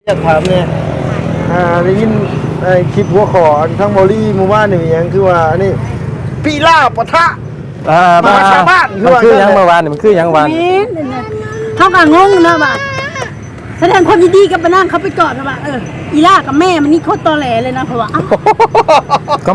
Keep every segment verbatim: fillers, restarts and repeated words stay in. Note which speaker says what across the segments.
Speaker 1: อยากถามเนี่ยอ่าได้ยินไอ้คลิปหัวขอทั้งบอลี่หมู่บ้านนี่มีหยังคือว่านี่ปีล่าปะทะ
Speaker 2: อ่าบ้า
Speaker 1: ชาวบ้านคือ
Speaker 2: มัน
Speaker 1: ว่า
Speaker 2: คือยังเมื่อวานนี่มันคือยังวาน
Speaker 3: เขาก็งงนะว่าแสดงความยินดีกับมานั่งเขาไปกอดนะว่าเอออีล่ากับแม่มันนี่โคตรตอแหลเลยนะเพราะว่าอ้าว
Speaker 2: ก็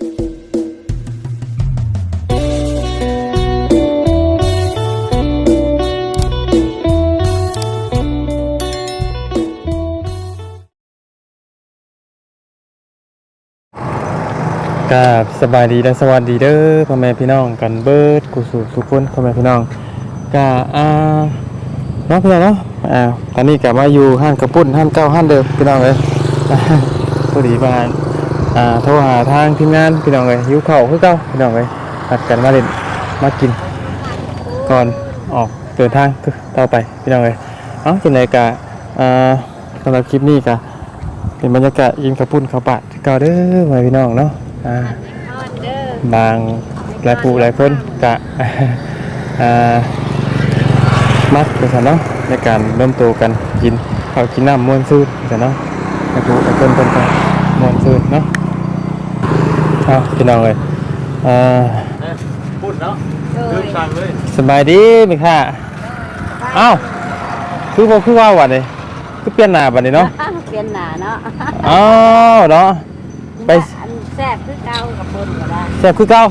Speaker 2: กับสบายดีและสวัสดีเด้อพ่อแม่พี่น้องกันเบิดกุศลทุกคนพ่อแม่พี่น้องกะอ่าน้องพี่น้องเนาะอ่าตอนนี้กลับมาอยู่ห้างกระปุ้นห้างเก้าห้างเดิมพี่น้องเลย พอดีมาอ่าโทรหาทางทีมงานพี่น้องเลยหิวข้าวคือเก้าพี่น้องเลยนัดกันมาเล่นมากินก่อนออกเดินทางต่อไปพี่น้องเลยเอ้าจังไดกะอ่าสำหรับคลิปนี้กะเป็นบรรยากาศยิงกระปุ้นข้าวปาดเก่าเด้อพ่อแม่พี่น้องเนาะอ่าบางหลายผู้หลายคนกะ อ่ามัดไปซะเนาะในการเริ่มโตกันกินข้าวกินน้ำม้วนซื่นซะเนาะหลายผู้หลายคนเป็นกันม้วนซื่นเนาะเอาพี่น้องเลยอ่า
Speaker 1: พูดเนาะลืมสั่งเลย
Speaker 2: สบายดีไหมค่ะเอ้าคือบ่คือว่าวันนี้คือเปลี่ยนหน้าบัดนี้เนาะ
Speaker 3: เปลี่ยนหนาเนาะ
Speaker 2: อ้าวเนาะไป
Speaker 3: อันแซ่บคือเก่ากับคนก็ได้
Speaker 2: แซ่บคือเก่า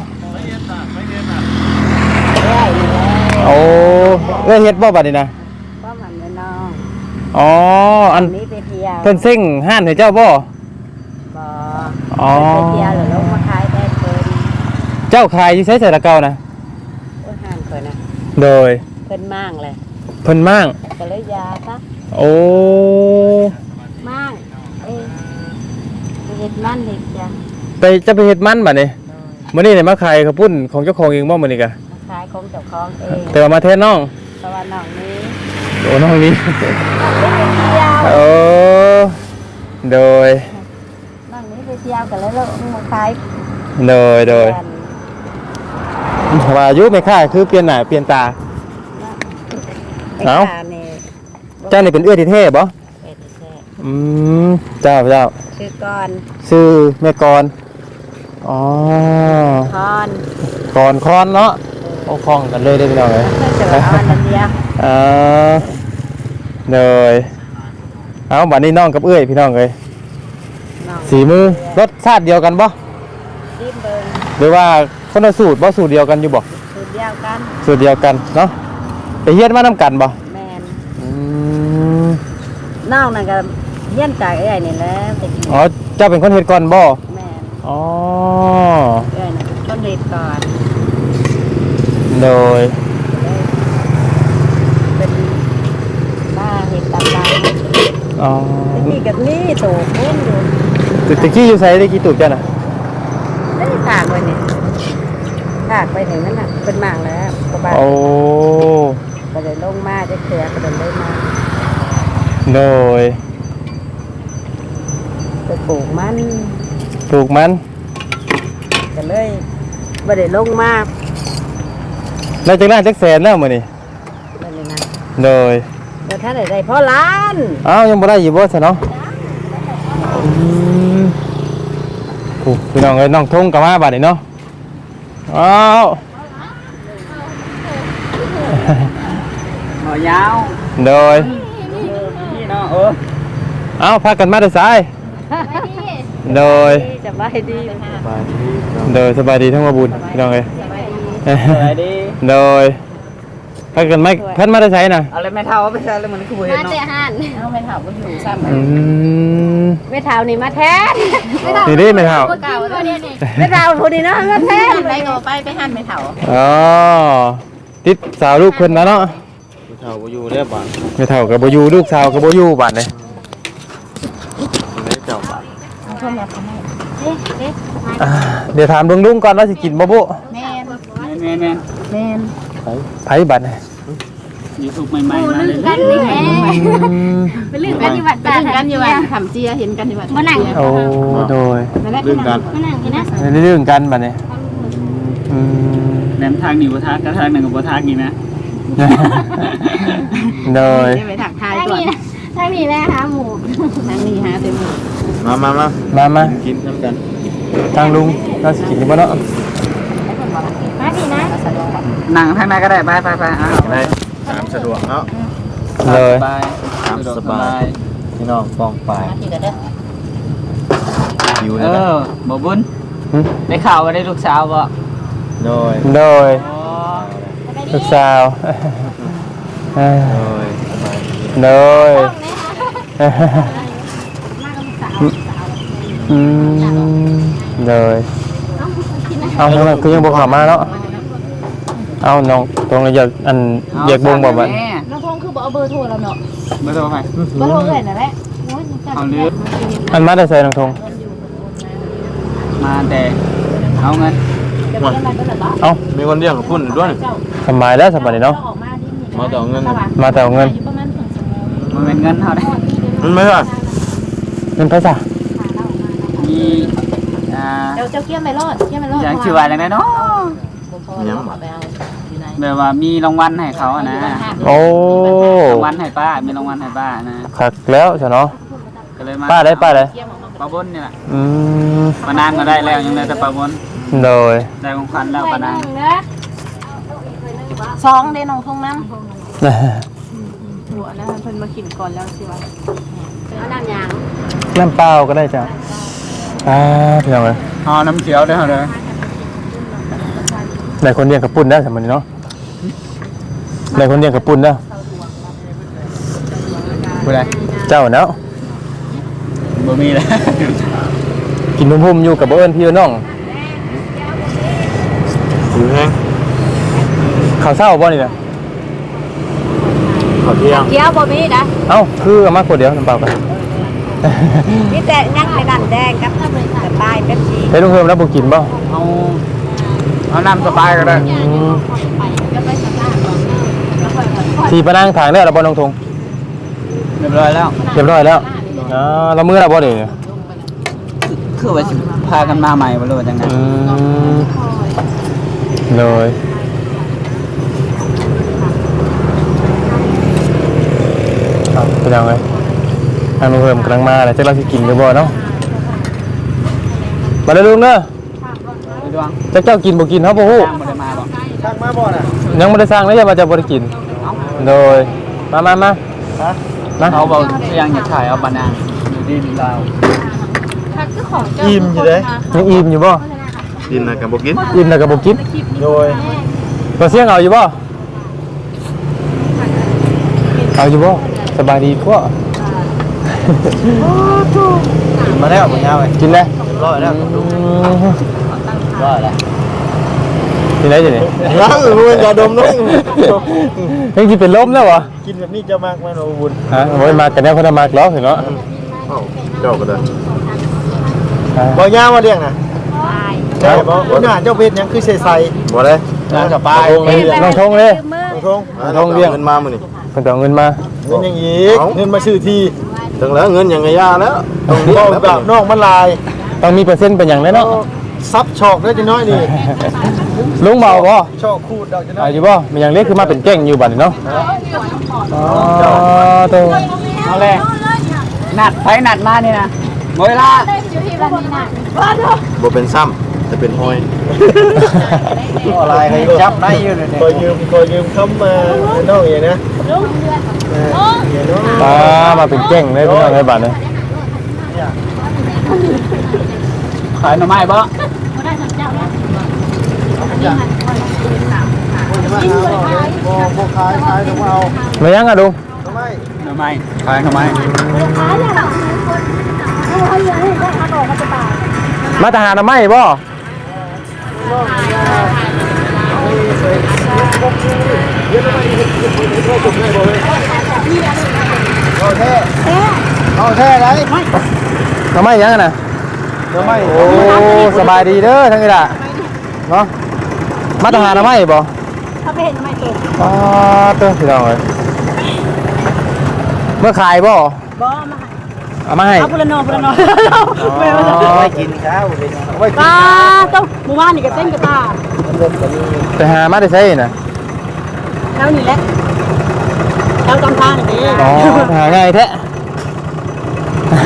Speaker 3: ได้อยู่แล้ว
Speaker 2: โอ้เอ้ยเฮ็ดบ่บัดนี้นะ
Speaker 3: ก็มันเลยน้อง
Speaker 2: อ๋ออัน
Speaker 3: นี้ไปเที่ยว
Speaker 2: เพิ่นเซ็งห้านให้เจ้าบ่
Speaker 3: บ่
Speaker 2: อ๋อ
Speaker 3: ไปเที่ยวหรือลงมาขายได้เพิ่น
Speaker 2: เจ้าขายอยู่ไสใส่ละเก่านะ
Speaker 3: โอ้ห่างเพิ่นนะ
Speaker 2: โดย
Speaker 3: เพิ่นมั่งเลย
Speaker 2: เพิ่นมั่ง
Speaker 3: ก็เลยยาซะ
Speaker 2: โอ้
Speaker 3: มั่งเอ้ยไปเฮ็ดมันเฮ็ดจ้ะ
Speaker 2: ไปจะไปเฮ็ดมันบัดนี้มื้อนี้ได้มาขายข้าวปุ้นของเจ้าของเองบ่มื้อนี้กะ
Speaker 3: มาขายของเจ้าของเอง
Speaker 2: แต่ว่ามาแทนน้อง
Speaker 3: เพราะว่าน้องนี้
Speaker 2: โอ้น้องนี้
Speaker 3: ไปเที่ยว
Speaker 2: โอ้โดย
Speaker 3: น้องนี้ไปเที่ยวกันแล้วลงมาขาย
Speaker 2: โดยโดย
Speaker 3: กัน
Speaker 2: ว่าอายุไม่ค่าคือเปลี่ยนหน้าเปลี่ยนตา
Speaker 3: ไอ้
Speaker 2: เอ้า
Speaker 3: ขานี่
Speaker 2: เจ้านี่เป็นเอื้อที่เท่บ่
Speaker 3: เป็นแท้
Speaker 2: อืมเจ้าเจ้า
Speaker 3: ชื่อก่อน
Speaker 2: ชื่อแม่กรอ๋อ
Speaker 3: คอน
Speaker 2: กรคอนเนาะโอ้คล้องกันเลยได้พี่น้องเอ้ย
Speaker 3: เพื่อจะว่าออนนั่นเดียว
Speaker 2: อ่าเลยเอาบัดนี้น้องกับเอื้อยพี่น้องเอ้ย
Speaker 3: น้อง
Speaker 2: สีมือรสชาติเดียวกันบ่
Speaker 3: จิ้มเบิ้ง
Speaker 2: หรือว่าคนละสูตรบ่สูตรเดียวกันอยู่บ่
Speaker 3: สูตรเดียวกัน
Speaker 2: สูตรเดียวกันเนาะไปเฮียนมานํกันบ่
Speaker 3: แมน
Speaker 2: อืม
Speaker 3: น้องนั่นก็เยี่ยนจากเอ้ยนี่แหละแต่กิน
Speaker 2: อ๋อเจ้าเป็นคนเฮ็ดก่อนบ่
Speaker 3: แมน
Speaker 2: อ๋อ
Speaker 3: เอ้ยน่ะต้นเรียนก่อน
Speaker 2: โดย
Speaker 3: เป็นบ้าเห็ดตำลาย
Speaker 2: อ๋อ
Speaker 3: นี่กับนี่ถูกพุ่นอยู่
Speaker 2: ตึกตะกี้อยู่ไสได้กี่ตูบจ้ะน่ะ
Speaker 3: ได้ถากไว้นี่ถากไปถึงนั้นน่ะเป็นหมากแล้วกบ้าน
Speaker 2: โอ้
Speaker 3: ก็เลยลงมาจะเขียก็เลยเลยมา
Speaker 2: โดย
Speaker 3: ไปปลูกมัน
Speaker 2: ปลูกมัน
Speaker 3: ก็เลยบ่ได้ลงมา
Speaker 2: แล้วจักล้านจักแสนแล้วมื้อนี้
Speaker 3: นั่นเลยนะ
Speaker 2: โดย
Speaker 3: แล้วท่านได้ได้พ่อล้าน
Speaker 2: อ้าวยังบ่ได้อยู่บ่ซะเนาะอืมโอ้พี่น้องเอ้ยน้องทงก็มาบัดนี้เนาะอ้าว
Speaker 1: หมอยาว
Speaker 2: โดย
Speaker 1: นี่เนาะเออ
Speaker 2: เอ้าพากันมาแต่ไสายโดย
Speaker 3: สบายดี
Speaker 2: โดยสบายดีทั้งมาบุญพี่น้องเอ้ย
Speaker 1: สวัสดี
Speaker 2: โดยพากันมาพันมาแต่ไสน่ะ
Speaker 1: เอาเลยแม่เท่าไปใส่เลยมันคือเห็น
Speaker 3: มา
Speaker 1: เนาะ
Speaker 3: แต่หันเอาไม่เท่าก็อยู่ซ้ำ
Speaker 2: อืม
Speaker 3: ไม่เท่านี่มาแทน
Speaker 2: นี่ดิไม่เท่า
Speaker 3: เก่าตัวนี้นี่ไม่เท่าคนนี้เนาะมาแทนไปก็ไปไปหันไม่เท่า
Speaker 2: อ๋อติดสาวลูกเพิ่นนะเนาะ
Speaker 1: เท่าอยู่เรียบบ้าน
Speaker 2: ไม่เท่ากับบ่อยู่ลูกสาวกับบ่อยู่บัดนี้
Speaker 1: ไม่เจ้าบ้าน
Speaker 3: เพิ่นมาทำไมเอ๊ะเอ๊ะ
Speaker 2: อ่าเดี๋ยวถามลุงๆก่อนว่าสิกินบ่บุ
Speaker 3: แม่น
Speaker 1: แม่แม่
Speaker 3: แม่น
Speaker 2: ไผบัดนี้
Speaker 1: ยูทูบใหม่ๆมาเลย
Speaker 3: กันนี่แม่
Speaker 2: อืม
Speaker 3: ไปลื่นกันอยู่วัดไปลื่นกันอยู่วัดทำเจียเห็นกันอยู่วัดมานั่ง
Speaker 2: โอ้โดย
Speaker 1: เรื่องการ
Speaker 3: มานั่งกันนะ
Speaker 2: ในเรื่องกันบัดนี้อืม
Speaker 1: แนมทางหนีบัวทักกระทางหนึ่งกับบัวทักนี่นะ
Speaker 2: โดย
Speaker 3: ไปถักทายก่อนทางนี้แม่หาหมู
Speaker 1: มามามา
Speaker 2: มามา
Speaker 1: กินน้ำกัน
Speaker 2: ทางลุงเราสิกินกันบ่เนาะ
Speaker 4: มาดีนะ
Speaker 5: นั่งทางไหนก็ได้ไปไปไปอ่ะ
Speaker 1: ได้ตามสะดวกเนาะ
Speaker 2: เลย
Speaker 5: ไป
Speaker 1: ตามสบายพี่น้องป้องปลาย
Speaker 4: มาทีกันเด้อ
Speaker 1: อยู่
Speaker 5: เอ
Speaker 1: นะ
Speaker 5: อบ่บุญ
Speaker 2: หึ
Speaker 5: ได้ข่าวว่าได้ลูกสาวบ่
Speaker 1: โดย
Speaker 2: โดย
Speaker 5: อ๋อ
Speaker 2: ลูกสาวเอ้ย
Speaker 1: โดยสบายดี
Speaker 2: โดยอืมโดยเอาทำไมคือยังบ่เข้ามาเนาะเอาน้องตรงนี้อยากอันอยากบ่งบ่บัด
Speaker 5: แม่
Speaker 4: น้องพงคือบอกเอาเบอร์โทรเราเนาะ
Speaker 5: เบอร์โทรไป
Speaker 4: เบอร์โทรเลยนั่นแหละโอ้ย
Speaker 5: เอาเลือก
Speaker 2: อันมาได้ใส่น้องทง
Speaker 5: มาแต่เอาเงิน
Speaker 4: เดี๋ยวไปยังไงก็เลยบ้า
Speaker 2: เอ้า
Speaker 1: มีคนเรียกกับพุ่นด้วย
Speaker 2: สบายแล้วสบายดีเนาะ
Speaker 4: ออกมาดิ
Speaker 1: มาต่อเงิน
Speaker 2: มาแต่เอาเงิน
Speaker 4: อยู่ประมาณถึงสมอง
Speaker 5: มันเป็นเงินเท่าได้
Speaker 1: มันไม่ใช่
Speaker 2: เงินไผซะ
Speaker 5: มีอ่า
Speaker 4: เดี๋ยวเจ้าเกี้ยมไปรอดเกี้ยมไปรอด
Speaker 5: อย่างชื่อว่าจังไดเนาะ
Speaker 1: ยัง
Speaker 4: ไปเอาอยู่ไหน
Speaker 5: แบบว่ามีรางวัลให้เขาอะนะ
Speaker 2: โอ้
Speaker 5: รางวัลให้ป้ามีรางวัลให้ป้านะ
Speaker 2: คักแล้วซะเนาะ
Speaker 5: ก็เลยมา
Speaker 2: ป้าได้ป้าได้
Speaker 5: ป้าบุญนี่แหละ
Speaker 2: อืม
Speaker 5: ป้านางก็ได้แล้วยังได้แต่ป้าบุญ
Speaker 2: โดย
Speaker 5: ได้ของขวัญแล้วป้านาง
Speaker 4: สองเดนองทงน้ำหัวนะเพิ่นมาขินก่อนแล้วสิวะเอาน้ำยาง
Speaker 2: น้ำเปล่าก็ได้จ้ะอ่าพี่น้องเอ้ย
Speaker 5: เอาน้ำเขียวได้เท่าเด้อ
Speaker 2: ได้คนเลี้ยงกระปุ่นได้สมัยนี้เนาะได้คนเลี้ยงกระปุ่นได้
Speaker 5: ผู้ใด
Speaker 2: เจ้าเนาะ
Speaker 5: บ่มีแล้ว
Speaker 2: กินพุ่มๆอยู่กับบ่เอิ้นพี่น้อง
Speaker 1: อยู่แห้ง
Speaker 2: ข้าวเช้าบ่นี่น่ะ
Speaker 1: ขอเที่ยง
Speaker 4: เกี้ยวบ่มีนะ
Speaker 2: เอ้าคือเอามาขวดเดียวน้ำเปล่ากัน
Speaker 4: มีแต่นั่งในน้ำแดงกับสบายเป็นสี
Speaker 2: เฮ้ยลุงเพิ่มแล้วบ่กินบ่
Speaker 5: เอาเอาน้ำสบายก็ได้
Speaker 2: อืมสีปะนางทางได้แล้วบ่น้องทง
Speaker 5: เรียบร้อยแล้ว
Speaker 2: เรียบร้อยแล้วอ่าเรามื้อแล้วบ่นี่
Speaker 5: คือว่าสิพากันมาใหม่บ่รู้ว่าจังไง
Speaker 2: อืมเลยเอาไปยังไงทางลุงเพิ่มกำลังมาแล้วจะเราสิกินหรือบ่เนาะมาเลยลุงเด้อ
Speaker 5: ไปดวง
Speaker 2: จักเจ้ากินบ่กินเฮาบ่ฮู้
Speaker 5: ตามบ่ได้มาบ่
Speaker 1: ช่างมาบ่น่ะ
Speaker 2: ยังบ่ได้สร้างเลยอย่ามาจะบ่ได้กินโดยมามามามา
Speaker 5: เขาบอกยังอยากถ่ายเอาบานางอยู่ดินลาว
Speaker 1: อิ่มอยู่เลย
Speaker 2: ยังอิ่มอยู่บ่
Speaker 1: กินนะกับบ่กิน
Speaker 2: อิ่มแล้วก็บ่กิน
Speaker 1: โดย
Speaker 2: บ่เสียงเอาอยู่บ่เอาอยู่บ่สบายดีกว่า
Speaker 1: กินมาแล้วบ่ยาวเลย
Speaker 2: กินได้
Speaker 1: ร้อยแล้ว
Speaker 2: ร้อยแล้วกินได้จังนี่
Speaker 1: ยังมันจะดมน้อง
Speaker 2: ยังสิเป็นลมแล้วบ่
Speaker 1: กินแบบนี้จะมากไหมโนบุญ
Speaker 2: ฮะโอ้ยมากันแนวคนละมากแล้วเห็นเนาะ
Speaker 1: เจ้าก็ได้บ่ยาวมาเลี้ยงน่ะใช่บ่บ่น่าเจ้าเพชรยังคือใส่ๆบ่ได้
Speaker 5: น้ำสบาย
Speaker 2: น้องทงเลย
Speaker 1: น้องทง
Speaker 2: น้องเลี้ยง
Speaker 1: เงินมามื้อนี้
Speaker 2: เพิ่นเอาเงินมา
Speaker 1: เงินยังอีกเงินมาซื้อที่ถึงแล้วเงินยังไงย่าแล้วต้องเลี้ยงแบบน้องมันลาย
Speaker 2: ต้องมีเปอร์เซ็นต์เป็นหยังแน่เนาะ
Speaker 1: ซับชอกได้จังน้อยนี่
Speaker 2: ลุงเมาบ่
Speaker 1: ชอกคูดดอกจังน้อ
Speaker 2: เอา
Speaker 1: ย
Speaker 2: อยู่บ่มีหยังเล็กคือมาเป็นแก้งอยู่บัดนี้เนาะอ๋อโต
Speaker 5: เอาเลยนัดไผนัดมานี่นะหมดเวลา
Speaker 1: บ่เป็นซ้ำแต่เป็นหอย
Speaker 5: อะไรให้จับได้อยู่เลย
Speaker 1: คอยยืมคอยยืมคำมาน้องอย่างนะลุงเดือนลุง
Speaker 2: อ่ามาเป็นแก้งเลยพี่น้องไอ้บัดนี้
Speaker 5: ขายหน่อไม้บ่
Speaker 1: บ่บ่ขายขายต้องเอา
Speaker 2: มายังอ่ะลุง
Speaker 1: ทำไม
Speaker 5: หน่อไม้ขายหน่อไม้
Speaker 2: มาทหารน่ะไม่บ่
Speaker 1: เอาแท้เอาแท้ไร
Speaker 2: น่ะไม่ยังอะน่ะ
Speaker 1: ทำไม
Speaker 2: โอ้สบายดีเด้อทั้งนี้ล่ะเนาะมาทหารน่ะไม่บ่
Speaker 3: เขาไปเห็นทำไมเก่ง
Speaker 2: อ๋อเต้อพี่น้องเอ้ยเมื่อขายบ่
Speaker 3: บ่มา
Speaker 2: เอามาให้
Speaker 3: เอาพุลโนพุลโน
Speaker 2: อ๋อ
Speaker 1: ไปกินข้าวเลยไปกิน
Speaker 3: ป้าต้องหมู่บ้านนี่ก็เต้นกับตา
Speaker 2: ไปหามาได้ใช่น่ะ
Speaker 3: แล้วนี่แหละแล้วจำทางนี่
Speaker 2: อ๋อหาง่ายแท้
Speaker 3: ไม่เอ็น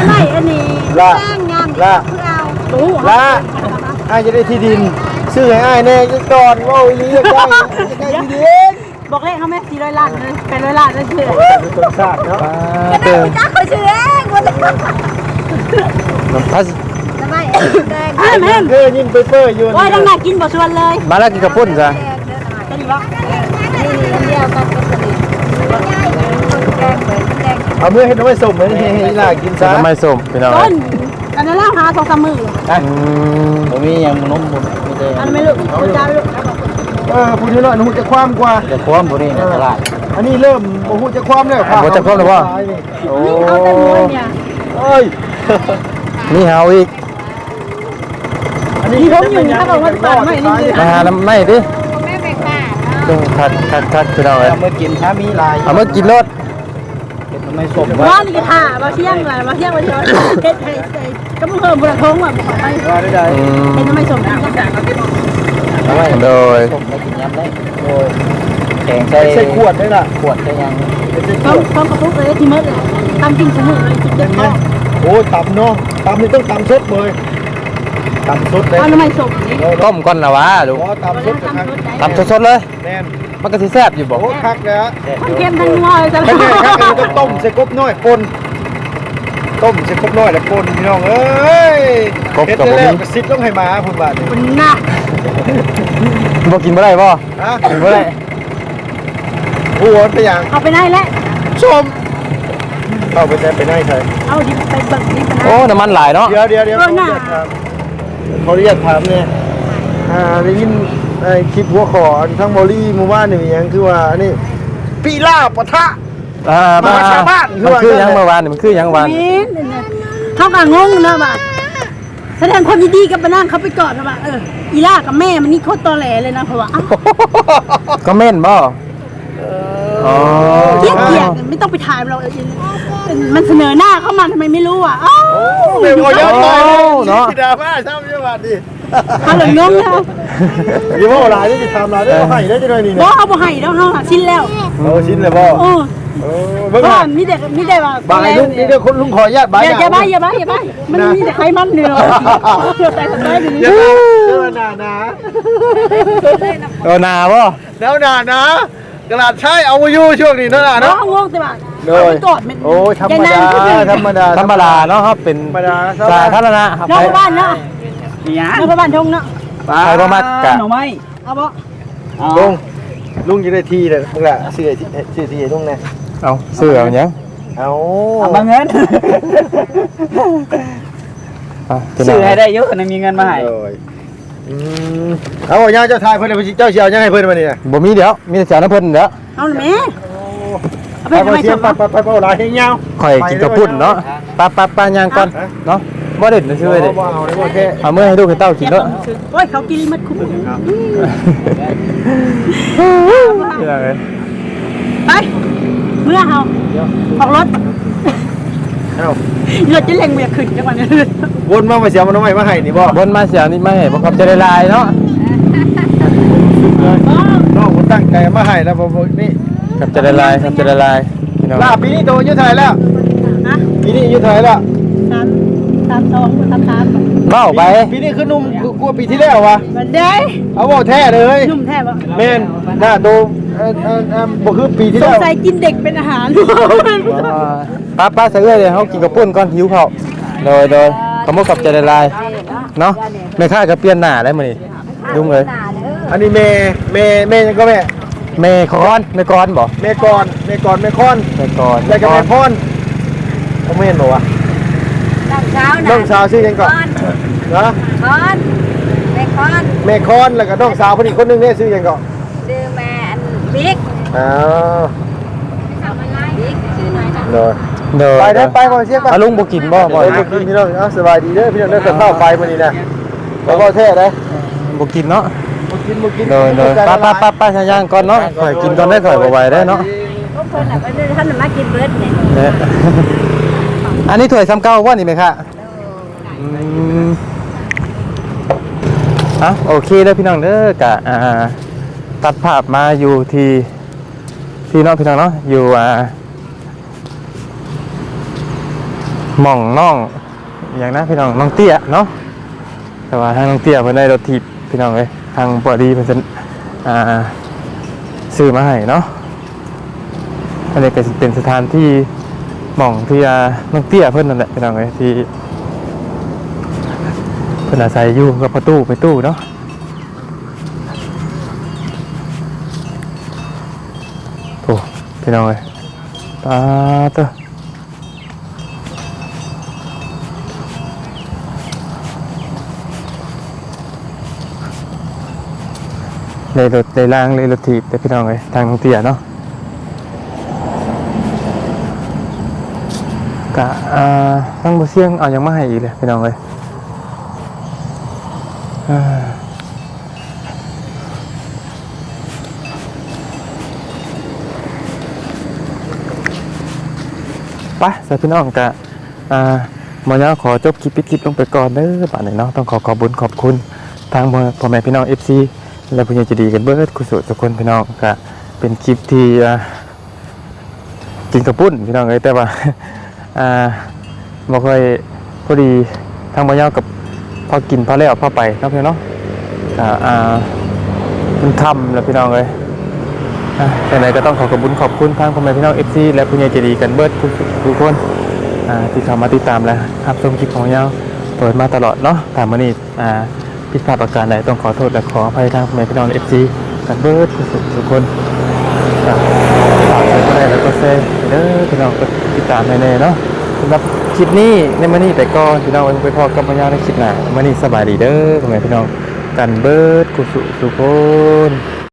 Speaker 3: นี่
Speaker 1: ละ
Speaker 3: แป้งงาม
Speaker 1: ละ
Speaker 3: เพื่อเอาตู้
Speaker 1: ละอ้ายจะได้ที่ดินซื้อให้อ้ายแน่จะก่อนว่าอีหลีจะได้จะได้ที่ดิน
Speaker 3: บอกเลขเขาไหมสี่ร้อยล้านเลยเป็นร้อยล้านเลยเชื่อ
Speaker 1: เป็นต้นซากเนาะ
Speaker 3: ก็ได้จ้าเขาชื่อเองวันนี้
Speaker 2: น้ำพัส
Speaker 3: ทำไมแดงแม่แม่
Speaker 1: เกอยิ่งไปเปื่อยอยู่
Speaker 3: โอ้ยดังหนักกินบ่ชวนเลย
Speaker 2: มาแล้วกินกระปุ้นจ้ะ
Speaker 3: จะดีวะนี่นี่อันเดียวกันก็สนิทแกงเหมือนแกง
Speaker 1: เอาเมื่อให้น้องไปส่งเหมือนให้ให้ล่ากินซะ
Speaker 2: น้ำไม่ส้มพี่น้อง
Speaker 3: ต้นอันนั้นล่าหาสองสามมือ
Speaker 2: อืม
Speaker 5: ผมมียังนมผมมีแต่
Speaker 3: อันนั้นไม่ลูกจ้าลูก
Speaker 1: เออพูดเยอะหน่อยหนูจะความกว่า
Speaker 5: จะพร้อมบุรีในตลาด
Speaker 1: อันนี้เริ่มโอ้โหจะความแล้วค่ะ
Speaker 2: บ่จะครบแล้วบ่โอ้
Speaker 3: นี่เอาแต่มวยเนี่ย
Speaker 1: เอ้ย
Speaker 2: มีเฮาอีก
Speaker 1: อันนี้
Speaker 3: ที่ผมอยู่ถ้าบอกว่าปากไม่นี่
Speaker 2: มาหาน้ำไม่ดิ
Speaker 3: แม่แม่ป้า
Speaker 2: ต้องคัดคัดคัดพี่น้องเอ้ย
Speaker 5: เอามากินถ้ามีลาย
Speaker 2: เอามากินรถ
Speaker 5: เป็นไม่สม
Speaker 3: ว่านี่ก็ท่ามาเที่ยงเลยมาเที่ยงมาเที่ยงเฮ็ดให้ก็มึงเพิ่มบุญทงอ่ะบอกไป
Speaker 1: ว่าได้ได้
Speaker 2: อืม
Speaker 3: เป็นทำไมสมจัง
Speaker 5: เอาไว้
Speaker 2: โดย
Speaker 5: สมแล้วกินยำได้โอ้ยแข็งใส่
Speaker 1: ใส่ขวดได้ล่ะ
Speaker 5: ขวดใส่ยัง
Speaker 1: ใส่ข
Speaker 3: ต้อ
Speaker 1: ว
Speaker 3: ง
Speaker 1: ด
Speaker 3: ต้องกระปุกเลยที่มืดเลยทำกินสมุนเลยจุดเด็ดพ่อ
Speaker 1: โอ้ตำเนาะตำนี่ต้องตำสดเลยตำสดเลย
Speaker 3: เอาทำไมสม
Speaker 2: ต้มก่อนละวะลูก
Speaker 1: อ๋อตำสดจะคัก
Speaker 2: ทำสดๆเลย
Speaker 1: แน่น
Speaker 2: มันก็สิแซ่บอยู่บ่
Speaker 1: โอ้คักแล้ว
Speaker 3: ทั้งเค็มทั้งนัวเลยจ้ะ
Speaker 1: ไม่ใช่คักเราต้องต้มใส่กบน้อยปนต้มใส่กบน้อยแล้วปนพี่น้องเอ้ยเฮ็ดได้แล้วกระซิบต้องให้มาพุ่นบาดนี่
Speaker 3: มันน่ะ
Speaker 2: บ่กินบ่ได้บ่
Speaker 1: ฮะ
Speaker 2: กินบ่ได้
Speaker 1: ผู้วอนไปอย่าง
Speaker 3: เอาไปได้แล้ว
Speaker 1: ชมเข้าไปแต่ไปไหนใช่
Speaker 3: เอาดิไปเบิกดิไป
Speaker 2: โอ้น้ำมันหลายเนาะ
Speaker 1: เดี๋ยวเดี๋ยวเดี๋ยวขออนุญาตถามขออนุญาตถามเนี่ยอ่าได้ยินไอ้คลิปหัวขอทั้งบอลี่หมู่บ้านนี่มีหยังคือว่าอันนี้ปีล่าปะทะ
Speaker 2: อ่ามา
Speaker 1: มาชาวบ้าน
Speaker 2: มันคือหยังเมื่อวานนี่มันคือหยังวาน
Speaker 3: นี่เขาก็งงนะบ่าแสดงความยินดีกับปะนางเขาไปกอดนะบ่าเอออีล่ากับแม่มันนี่โคตรตอแหลเลยนะเพราะว่า
Speaker 2: ก็เม่นบ่อ๋อ
Speaker 3: เกลียดเกลียดไม่ต้องไปถ่ายเรามันเสนอหน้าเข้ามาทำไมไม่รู้อ่ะอ้าว
Speaker 1: เดี๋ยวเยอะไป
Speaker 2: เนาะ
Speaker 1: ดราม่าชอบเยอะบัดดิ
Speaker 3: เขาเลยงงนะ
Speaker 1: อย่าว่าหลายได้จะทำหลายได้ก็ให้ได้จะหน่อยนี่
Speaker 3: บ
Speaker 1: นะ
Speaker 3: อกเอาบ่ให้แล้วเขาหาชิ้นแล้ว
Speaker 1: โอ้ชิ้นเลยบ่
Speaker 3: โอ้
Speaker 1: เออเบิ่ง
Speaker 3: ก็
Speaker 1: หา
Speaker 3: มีแต่มีแต่ว่า
Speaker 1: บายลุงนี่เดี๋ยวคนลุงขออนุญาตบาย
Speaker 3: อย่าอย่าบ้าอย่าบ้าอย่าบ้ามันมีแต่ไขมันเนื้อเชื่อใจทำได้ดี
Speaker 1: อย่าเชื่อหนาหนา
Speaker 2: เออนาบ่
Speaker 1: แล้วหนาหนากระดาษใช้เอาอยู่ช่วงนี้เนาะ
Speaker 3: เนาะ
Speaker 1: เนาะ
Speaker 3: งงแต่ว่า
Speaker 1: โดย
Speaker 3: กอดมัน
Speaker 1: โอ้ยธรรมดาธรรมดา
Speaker 2: ธรรมดาเนาะครับเป็น
Speaker 1: ธรรมดา
Speaker 2: สาธารณะครับ
Speaker 3: นอกบ้านเนาะ
Speaker 5: นี่ย
Speaker 3: นอกบ้านทงเนาะ
Speaker 2: ใครบ่มักกะ
Speaker 5: หน่อไม้
Speaker 3: เอาบ่
Speaker 1: ลุงลุงจะได้ทีเลยมึงละเสื้อเสื้อทีลุงเนี่ย
Speaker 2: เอาเสื้อเอาหยัง
Speaker 1: เอา
Speaker 5: เอามาเงิน
Speaker 2: อ่ะพี่น้
Speaker 5: ซื้
Speaker 2: ง
Speaker 5: อให้ได้เยอะนะมีเงินมาให้
Speaker 1: อืมเอาย่าเจ้าทายเพิ่นเจ้าเชียวยังให้เพิ่นมาเนี่ย
Speaker 2: บ่มีเดี๋ยวมีแต่เจ้าน้ำเพิ่นเดี๋ยว
Speaker 3: เอาเลยแม่เอาไป
Speaker 1: ไป
Speaker 3: ทำไม
Speaker 1: เชีย
Speaker 3: ส
Speaker 1: ว
Speaker 3: ม
Speaker 1: ไปไปไปเอาหลายให้ยาว
Speaker 2: ข่อยกินกระปุ่นเนาะปะปะปะย่างก่อนเนาะบ่เด็ดนะชื่อเด้
Speaker 1: บ่เอาเลยบ่แค่
Speaker 2: เอามื้อให้ลูกให้เต้ากินเนาะ
Speaker 3: โอ้ยเขากินมัดคุ้ม
Speaker 2: พี่น้องเอ้ย
Speaker 3: ไปเมื่อเฮาออกรถ
Speaker 1: เอ้าร
Speaker 3: ถจะเล็งเมียขึ้นจังหวะนี้
Speaker 1: วนมามาเสียมันเอาไว้มาให้นี่บ่
Speaker 2: บนมาเสียนี่มาให้บ่ครับจะได้ลายเนาะ
Speaker 1: น้องคนตั้งใจมาให้แล้วบ่นี่
Speaker 2: ครับจะได้ลายครับจะได้ลายพี่น้อง
Speaker 1: ลาปีนี้โตอายุเท่าไหร่แล้ว
Speaker 3: นะ
Speaker 1: ปีนี้อายุเท่าไหร่แล้ว
Speaker 3: สามสามสองสามสาม
Speaker 2: เมาไป
Speaker 1: ปีนี้คือหนุ่มกว่าปีที่แล้ววะ
Speaker 3: บันได
Speaker 1: เอาบ่แท้เลย
Speaker 3: นุ่มแท้ปะ
Speaker 1: แม่นหน้าโตเอ่อเอ่อเอ่อบ่คือปีที่
Speaker 3: ส
Speaker 1: แล้
Speaker 3: ง
Speaker 1: ว
Speaker 3: สัยกินเด็กเป็นอาหาร
Speaker 2: ป้าป้าใส่เอ้ยเดี๋ยวเฮากินกระปุ่นก่อนหิวข้าวโดยโดยขโมยกับจะได้ลายเนาะแม่ค้าก็เปลี่ยนหน้าได้มื้อนี้ดุ้งเลย
Speaker 1: อันนี้แม่แม่แม่ยังก็แม่
Speaker 2: แม่คอนแม่กอนบ่
Speaker 1: แม่กรแม่กรแม่คอน
Speaker 2: แม่กอน
Speaker 1: แล้วก็แม่พรเขาไม่เห็นบ่วะ
Speaker 4: ตอนเช้า
Speaker 1: น้
Speaker 4: นะ
Speaker 1: องสาวชื่อหยังก่อนนะ
Speaker 4: คอนแม่คอน
Speaker 1: แม่คอนแล้วก็น้องสาวคนอีกคนหนึงเนี่ยชื่อหยังก่อน
Speaker 4: ซื้อแม่อันบิ๊ก
Speaker 1: อ้าว
Speaker 4: บิ๊กซื้อหน่อยนะ
Speaker 1: เด้อ
Speaker 2: โดย
Speaker 1: ไปเด้อไปก่อนเสียก่อน
Speaker 2: อาลุงบ่กินบ่บ่
Speaker 1: ไปกินพี่น้องเอาสบายดีเด้อพี่น้องเด้อกับข้าวไฟมื้อนี้นะบ่บ่แท้เด้อ
Speaker 2: บ่กินเนาะ
Speaker 1: บ่กินบ่กิน
Speaker 2: โดยโดยป้าป้าป้าป้าชาย่างก่อนเนาะข่อยกินก่อนได้ข่อยบ่ไหวได้เนาะ
Speaker 4: พวกคนน่ะไปท่านน่ะมากินเบิร์ดเนี่ย
Speaker 2: เนี่ยอันนี้ถ้วยซ้ำเก่าว่านี่ไหมคะอืมอ่ะโอเคเด้อพี่น้องเด้อกะอ่าตัดภาพมาอยู่ที่ที่น้องพี่น้องเนาะอยู่อ่าหม่องน้องอย่างนะพี่น้องน้องเตี้ยเนาะแต่ว่าทางน้องเตี้ยเพิ่นได้รถถีบพี่น้องเอ้ยทางปอดีเพิ่นอ่าซื้อมาให้เนาะอันนี้ก็สิเป็นสถานที่หม่องที่อ่าน้องเตี้ยเพิ่นนั่นแหละพี่น้องเอ้ยที่เพิ่นอาศัยอยู่กับประตูไปตู้เนาะโอ้พี่น้องเอ้ยตาเต้อเลยรถเลยล่างเลยรถถีบแต่พี่น้องเลยทางน้องเตี้ยเนาะกะอ่าทั้งบ่เสี่ยงเอายังมาให้อีกเลยพี่น้องเลยอ่าไปสายพี่น้องกะอ่าหมอยาขอจบคลิปปิดคลิปลงไปก่อนเด้อป่านนี้เนาะต้องขอขอบคุญขอบคุณทางพ่อแม่พี่น้อง เอฟ ซี และผู้ใหญ่ใจะดีกันเบิดกุศลทุกคนพี่น้องก็เป็นคลิปที่กินกระปุ้นพี่น้องเลยแต่ว่าอ่าบ่ค่อยพอดีทางบ่ยาวกับพอกินพอแล้วพอไปเนาะพี่น้องเนาะก็อ่ามันค่ำแล้วพี่น้องเลยอ่าแต่ไหนก็ต้องขอขอบคุณขอบคุณทางพ่อแม่พี่น้อง เอฟ ซี และผู้ใหญ่ใจดีกันเบิดทุกคนอ่าที่เข้ามาติดตามและรับชมคลิปของยาวเปิดมาตลอดเนาะตามมื้อนี้อ่าผิดพลาดประการใดต้องขอโทษและขออภัยทางพ่อแม่พี่น้อง เอฟ ซี กันเบิดทุกคนฝากกดไลค์แล้วก็แชร์เด้อพี่น้องก็ติดตามแน่ๆเนาะสำหรับคลิปนี้ในมื้อนี้ไปก่อนพี่น้องไว้ไปพอกับพ่อยาวในคลิปหน้ามื้อนี้สบายดีเด้อพ่อแม่พี่น้องกันเบิดกุศลทุกคน